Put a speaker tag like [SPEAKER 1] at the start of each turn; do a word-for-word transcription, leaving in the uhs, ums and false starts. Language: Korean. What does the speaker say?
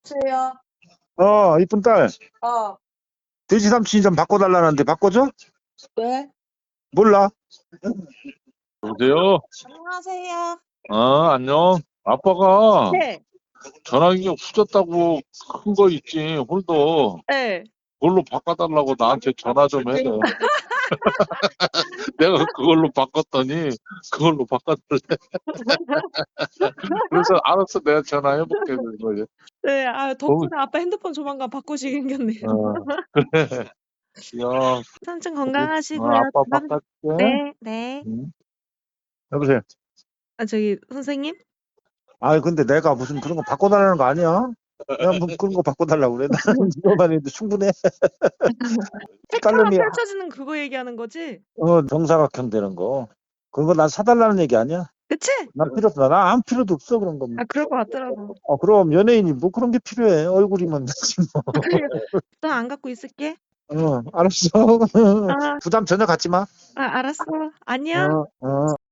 [SPEAKER 1] 여보세요?
[SPEAKER 2] 어, 이쁜 딸.
[SPEAKER 1] 어,
[SPEAKER 2] 돼지 삼촌이 좀 바꿔달라는데 바꿔줘?
[SPEAKER 1] 왜?
[SPEAKER 2] 몰라.
[SPEAKER 3] 여보세요?
[SPEAKER 1] 안녕하세요.
[SPEAKER 3] 어, 안녕. 아빠가
[SPEAKER 1] 네,
[SPEAKER 3] 전화기가 후졌다고 큰 거 있지, 홀더.
[SPEAKER 1] 네.
[SPEAKER 3] 그걸로 바꿔달라고 나한테 전화 좀 해. 내가 그걸로 바꿨더니 그걸로 바꿔달래. 그래서 알았어, 내가 전화해볼게. 그거.
[SPEAKER 1] 네, 아, 덕분에 아빠 핸드폰 조만간 바꾸시게 생겼네요.
[SPEAKER 3] 어, 그래. 야,
[SPEAKER 1] 삼촌
[SPEAKER 3] 어,
[SPEAKER 1] 건강하시고요.
[SPEAKER 3] 아빠
[SPEAKER 1] 다음-
[SPEAKER 3] 바꿔줄게.
[SPEAKER 1] 네, 네.
[SPEAKER 3] 응?
[SPEAKER 2] 여보세요.
[SPEAKER 1] 아, 저기, 선생님?
[SPEAKER 2] 아, 근데 내가 무슨 그런 거 바꿔달라는 거 아니야? 내가 뭐 그런 거 바꿔달라고 그래. 나는 이거만 해도 충분해.
[SPEAKER 1] 텍타가
[SPEAKER 2] 딸내미,
[SPEAKER 1] 펼쳐지는 그거 얘기하는 거지?
[SPEAKER 2] 어, 정사각형 되는 거. 그런 거 난 사달라는 얘기 아니야?
[SPEAKER 1] 그치?
[SPEAKER 2] 난 필요 없어. 나 아무 필요도 없어, 그런 거.
[SPEAKER 1] 아, 그럴 것 같더라고.
[SPEAKER 2] 어, 그럼 연예인이 뭐 그런 게 필요해. 얼굴이면 되지 뭐.
[SPEAKER 1] 또 안 갖고 있을게.
[SPEAKER 2] 어, 알았어.
[SPEAKER 1] 아,
[SPEAKER 2] 부담 전혀 갖지 마.
[SPEAKER 1] 아, 알았어. 안녕.
[SPEAKER 2] 어, 어.